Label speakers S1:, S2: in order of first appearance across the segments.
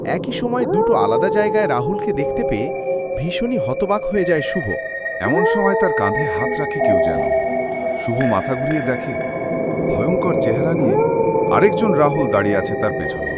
S1: একই সময় দুটো আলাদা জায়গায় রাহুলকে দেখতে পেয়ে ভীষণই হতবাক হয়ে যায় শুভ।
S2: এমন সময় তার কাঁধে হাত রাখে কেউ যেন। শুভ মাথা ঘুরিয়ে দেখে ভয়ঙ্কর চেহারা নিয়ে আরেকজন রাহুল দাঁড়িয়ে আছে তার পেছনে।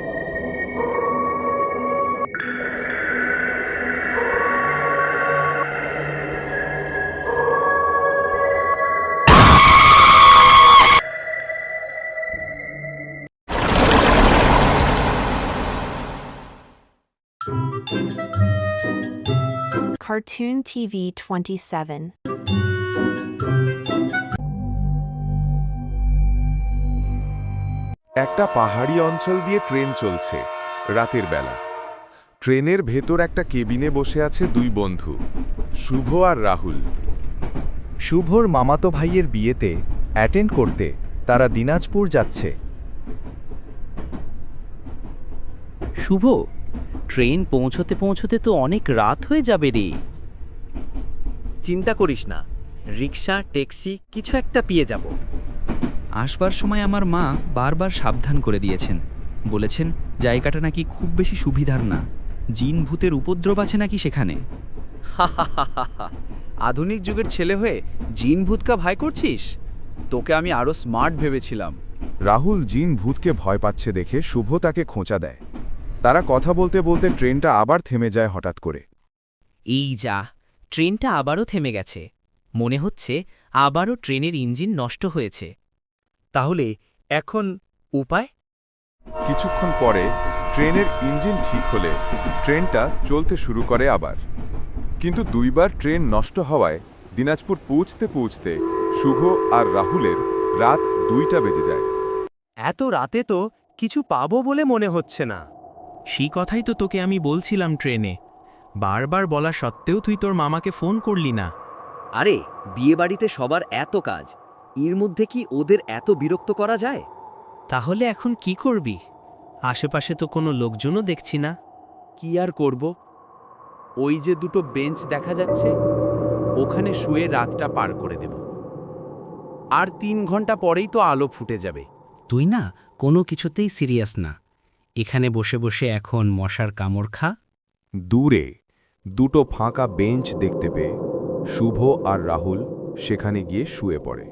S3: Cartoon TV 27.
S2: একটা পাহাড়ি অঞ্চল দিয়ে ট্রেন চলছে রাতের বেলা। ট্রেনের ভেতর একটা কেবিনে বসে আছে দুই বন্ধু, শুভ আর রাহুল।
S4: শুভর মামাতো ভাইয়ের বিয়েতে অ্যাটেন্ড করতে তারা দিনাজপুর যাচ্ছে।
S5: শুভ, ট্রেন পৌঁছতে পৌঁছতে তো অনেক রাত হয়ে যাবে রে।
S6: চিন্তা করিস না, রিক্সা ট্যাক্সি কিছু একটা পেয়ে যাব।
S7: আসবার সময় আমার মা বারবার সাবধান করে দিয়েছেন, বলেছেন জায়গাটা নাকি খুব বেশি সুবিধার না, জিন ভূতের উপদ্রব আছে নাকি সেখানে।
S6: আধুনিক যুগের ছেলে হয়ে জিন ভূতকা ভয় করছিস? তোকে আমি আরো স্মার্ট ভেবেছিলাম।
S2: রাহুল জিন ভূতকে ভয় পাচ্ছে দেখে শুভ তাকে খোঁচা দেয়। তারা কথা বলতে বলতে ট্রেনটা আবার থেমে যায় হঠাৎ করে।
S5: এই যা, ট্রেনটা আবারও থেমে গেছে। মনে হচ্ছে আবারও ট্রেনের ইঞ্জিন নষ্ট হয়েছে।
S6: তাহলে এখন উপায়?
S2: কিছুক্ষণ পরে ট্রেনের ইঞ্জিন ঠিক হলে ট্রেনটা চলতে শুরু করে আবার। কিন্তু দুইবার ট্রেন নষ্ট হওয়ায় দিনাজপুর পৌঁছতে পৌঁছতে শুভ আর রাহুলের রাত 2টা বেজে যায়।
S6: এত রাতে তো কিছু পাবো বলে মনে হচ্ছে না।
S4: সেই কথাই তো তোকে আমি বলছিলাম ট্রেনে। বারবার বলা সত্ত্বেও তুই তোর মামাকে ফোন করলি না।
S6: আরে বিয়েবাড়িতে সবার এত কাজ, এর মধ্যে কি ওদের এত বিরক্ত করা যায়?
S5: তাহলে এখন কি করবি? আশেপাশে তো কোনো লোকজনও দেখছি না।
S6: কি আর করব? ওই যে দুটো বেঞ্চ দেখা যাচ্ছে, ওখানে শুয়ে রাতটা পার করে দেব। আর 3 ঘন্টা পরেই তো আলো ফুটে যাবে।
S5: তুই না কোনো কিছুতেই সিরিয়াস না। এখানে বসে বসে এখন মশার কামড় খা।
S2: দূরে দুটো ফাঁকা বেঞ্চ দেখতে পেয়ে শুভ আর রাহুল সেখানে গিয়ে শুয়ে পড়ে।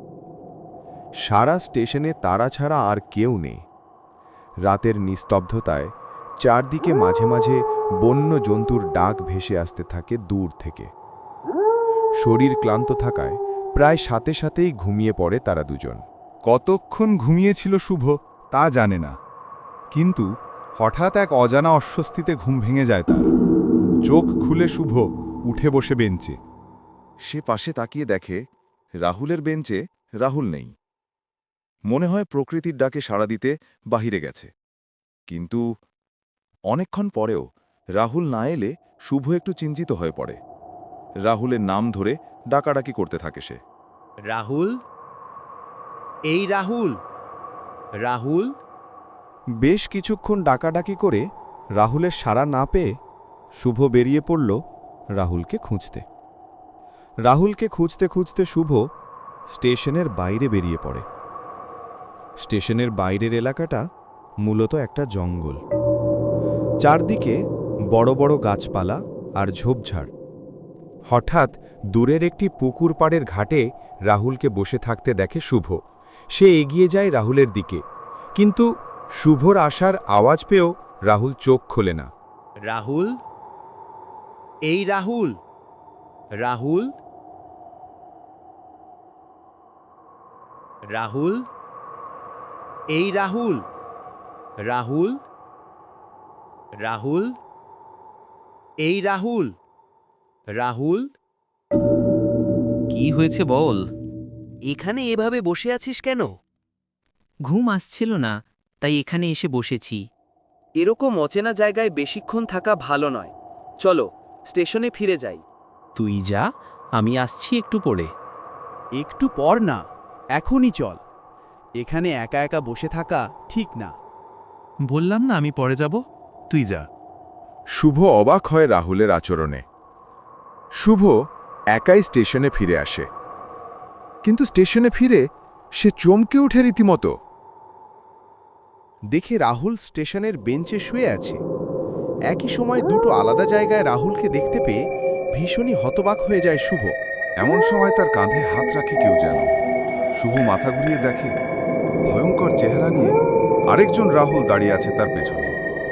S2: সারা স্টেশনে তারা ছাড়া আর কেউ নেই। রাতের নিস্তব্ধতায় চারদিকে মাঝে মাঝে বন্য জন্তুর ডাক ভেসে আসতে থাকে দূর থেকে। শরীর ক্লান্ত থাকায় প্রায় সাথে সাথেই ঘুমিয়ে পড়ে তারা দুজন। কতক্ষণ ঘুমিয়েছিল শুভ তা জানে না, কিন্তু হঠাৎ এক অজানা অস্বস্তিতে ঘুম ভেঙে যায় তার। চোখ খুলে শুভ উঠে বসে বেঞ্চে। সে পাশে তাকিয়ে দেখে রাহুলের বেঞ্চে রাহুল নেই। মনে হয় প্রকৃতির ডাকে সাড়া দিতে বাহিরে গেছে। কিন্তু অনেকক্ষণ পরেও রাহুল না এলে শুভ একটু চিন্তিত হয়ে পড়ে। রাহুলের নাম ধরে ডাকাডাকি করতে থাকে সে।
S6: রাহুল, এই রাহুল, রাহুল।
S4: বেশ কিছুক্ষণ ডাকাডাকি করে রাহুলের সাড়া না পেয়ে শুভ বেরিয়ে পড়ল রাহুলকে খুঁজতে। রাহুলকে খুঁজতে খুঁজতে শুভ স্টেশনের বাইরে বেরিয়ে পড়ে। স্টেশনের বাইরের এলাকাটা মূলত একটা জঙ্গল। চারদিকে বড় বড় গাছপালা আর ঝোপঝাড়।
S2: হঠাৎ দূরের একটি পুকুর পাড়ের ঘাটে রাহুলকে বসে থাকতে দেখে শুভ। সে এগিয়ে যায় রাহুলের দিকে, কিন্তু শুভর আসার আওয়াজ পেয়েও রাহুল চোখ খোলে না।
S6: রাহুল, এই রাহুল, রাহুল, রাহুল, এই রাহুল, রাহুল, রাহুল, এই রাহুল, রাহুল।
S5: কি হয়েছে বল?
S6: এখানে এভাবে বসে আছিস কেন?
S5: ঘুম আসছিল না, তাই এখানে এসে বসেছি।
S6: এরকম অচেনা জায়গায় বেশিক্ষণ থাকা ভালো নয়। চলো স্টেশনে ফিরে যাই।
S5: তুই যা, আমি আসছি একটু পরে।
S8: একটু পর না, এখনই চল। এখানে একা একা বসে থাকা ঠিক না।
S4: বললাম না আমি পরে যাব, তুই যা।
S2: শুভ অবাক হয় রাহুলের আচরণে। শুভ একাই স্টেশনে ফিরে আসে, কিন্তু স্টেশনে ফিরে সে চমকে ওঠে রীতিমতো।
S1: দেখে রাহুল স্টেশনের বেঞ্চে শুয়ে আছে। একই সময় দুটো আলাদা জায়গায় রাহুলকে দেখতে পেয়ে ভীষণই হতবাক হয়ে যায় শুভ।
S2: এমন সময় তার কাঁধে হাত রাখে কেউ যেন। শুভ মাথা ঘুরিয়ে দেখে ভয়ঙ্কর চেহারা নিয়ে আরেকজন রাহুল দাঁড়িয়ে আছে তার পেছনে।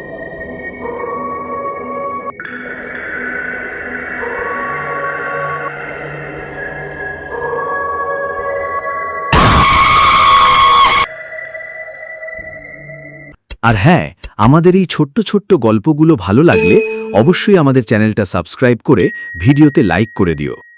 S9: আর হ্যাঁ, আমাদের এই ছোট্ট ছোট্ট গল্পগুলো ভালো লাগলে অবশ্যই আমাদের চ্যানেলটা সাবস্ক্রাইব করে ভিডিওতে লাইক করে দিও।